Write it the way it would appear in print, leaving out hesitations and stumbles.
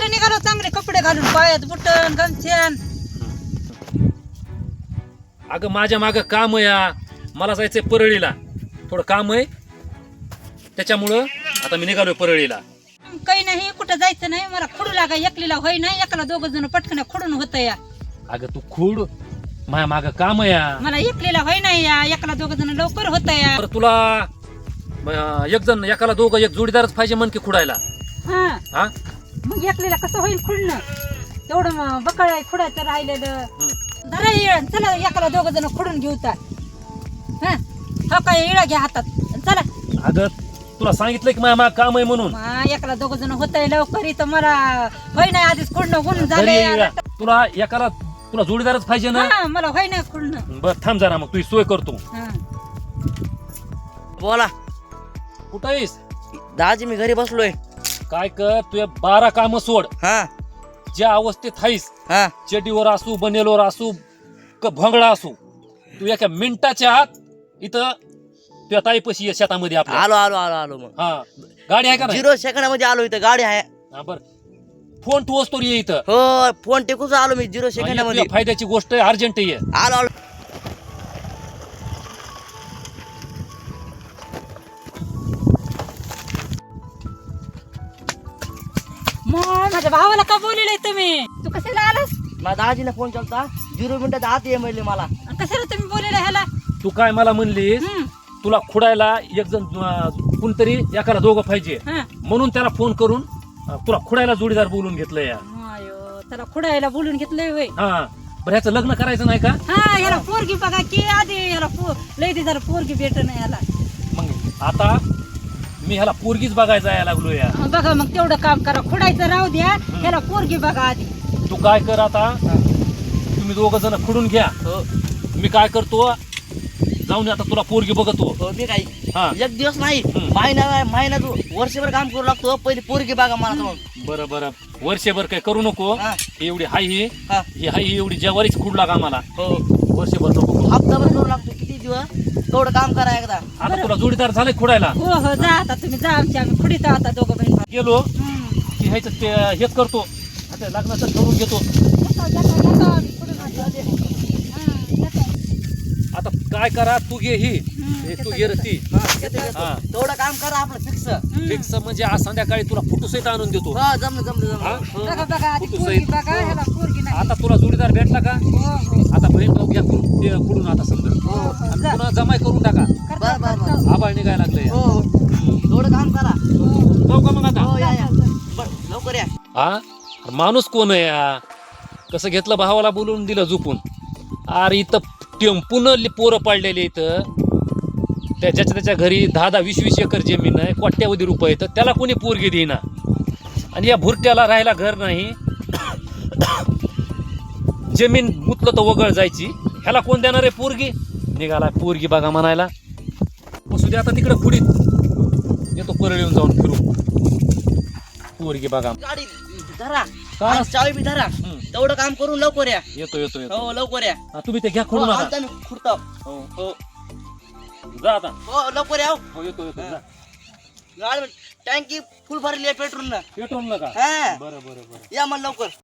कुठं निघालो चांगले कपडे घालून पायात बुटन गमछ्यान. अगं माझ्या मागं काम आहे या. मला जायचंय परळीला, थोडं काम आहे त्याच्यामुळं आता मी निघालोय परळीला. काही नाही कुठं जायचं नाही मला खुडू लागा एकलीला होय नाही एकाला दोघ जण पटकन खुडून होतं या. अगं तू खूड माझ्या मागं काम आहे या. मला एकलीला होय नाही या एकाला दोघ जण लवकर होतं या. तर तुला एक जण एकाला दोघं एक जोडीदारच पाहिजे मन की खुडायला. हा हा मग एकलीला कसं होईल खुडणं तेवढं बकळ खुडायचं राहिलेलं. जरा येळ चला एकाला दोघ जण खुडून घेऊ तर. हा काय इळा घ्या हातात चला. अगं तुला सांगितलं की माझ्या मागं काम आहे म्हणून. एकाला दोघ जण होतंय लवकर इथं मला होय नाही आधीच खुडणं गुण घरी झालंय. ये. तुला जोडीदारच पाहिजे ना. हा मला होय नाही खुडणं. बर थांब जरा मग तुझी सोय करतो. हा बोला कुठं आहेस? दाजी मी घरी बसलोय. काय कर तुझ्या 12 काम सोड. हा ज्या अवस्थेत आहेस हा चेडीवर असू बनेलवर असू भोंगडा असू तू एका मिनिटाच्या आत इथं तुझ्या ताईपाशी ये शेतामध्ये आपल्या. आलो आलो आलो आलो मग हा गाडी आहे का नाही? 0 सेकंदामध्ये आलो इथं गाडी आहे. हा बर फोन तू असतो ये इथं. हो फोन टेकूच आलो मी 0 आणि सेकंदामध्ये. तुझ्या फायद्याची गोष्ट आहे अर्जंट ये. आलो आलो. मग माझ्या भावाला का बोललेलं तुम्ही? तू कशाला आलास? माझ्या दाजीने फोन केलता 0 मिनिटात आत ये म्हणले मला. आणि कशाला तुम्ही बोललेलं ह्याला? तू काय मला म्हणलीस तुला खुडायला एक जण कोणतरी एकाला दोघं पाहिजे म्हणून त्याला फोन करून तुला खुडायला जोडीदार बोलून घेतलं या. अयो त्याला खुडायला बोलून घेतलंय होय. हा बरं ह्याचं लग्न करायचं नाही का? हा ह्याला पोरगी बघा की आधी ह्याला लय दिवसाला पोरगी भेट नाही ह्याला. मग आता मी ह्याला पोरगीच बघायला यायला लागलो या. बघा मग तेवढं काम करा खुडायचं राहू द्या ह्याला पोरगी बघा आधी. तू काय कर आता तुम्ही दोघं जण खुडून घ्या. हो मी काय करतो जाऊन आता तुला पोरगी बघतो. हो मी काही हा एक दिवस नाही महिना तू वर्षभर काम करू लागतो पहिले पोरगी बघा मला तर. बरं बरं वर्षभर काय करू नको. हा. एवढी हाय ही हा. हाय एवढी जेवारीच खुड लागा मला. हो वर्षभर नको करू. हप्ताभर करू लागतो किती दिवस तेवढं काम करा एकदा. आता तुला जोडीदार झाले खुडायला. हो हो जा आता तुम्ही जा आम्ही खुडीत आता दोघं बहीण भाऊ. गेलो की ह्याचं ते हेच करतो आता लग्नाचं ठरवून घेतो. जाता आम्ही खुडून आणतो. हा, जाता. आता काय करा तू घे ही हे तू घे रे ती. हा. तेवढं काम करा आपलं फिक्स. फिक्स म्हणजे आज संध्याकाळी तुला फोटो सहित आणून देतो. हा जमलं जमलं हा? जमलं. हो. बघा बघा आधी कुठं पोरगी जाईल? बघा ह्याला पोरगी नाही. आता तुला जोडीदार भेटला का? हो हो आता बहीण भाऊ घ्या ते खुडून आता समजा हो हो आणि जा. पुन्हा जमाय करून टाका. करता, बरं, बरं, करता. आबाळ निघायला लागले. हो हो. तेवढं काम करा. जाऊ का मग आता? हो या या बरं लवकर या. हा माणूस कोण आहे या? कसं घेतलं भावाला बोलून दिलं झोपून. अरे इथं टेम्पून पोरं पाडलेले इथं त्याच्या घरी 10-20 एकर जमीन आहे कोट्यावधी रुपये तर त्याला कोणी पोरगी देईना आणि या भुरट्याला राहायला घर नाही. जमीन मुतलं तर वगळ जायची ह्याला कोण देणार आहे पोरगी? निघाला पोरगी बघा म्हणायला. बसू दे आता तिकडे खुडीत येतो परळ येऊन जाऊन फिरू. पोरगी बघा गाडी धरा का? आणि चावी बी धरा. तेवढं काम करून लवकर या. येतो येतो येतो. हो लवकर या. हा, तुम्ही ते घ्या हो खुडून आता. आता मी खुडतो. हो हो जा आता. हो लवकर या. हो येतो येतो जा. गाडी टँकी फुल भरली आहे पेट्रोल न. पेट्रोल नका. हा बरं बरं बरं. या मग लवकर.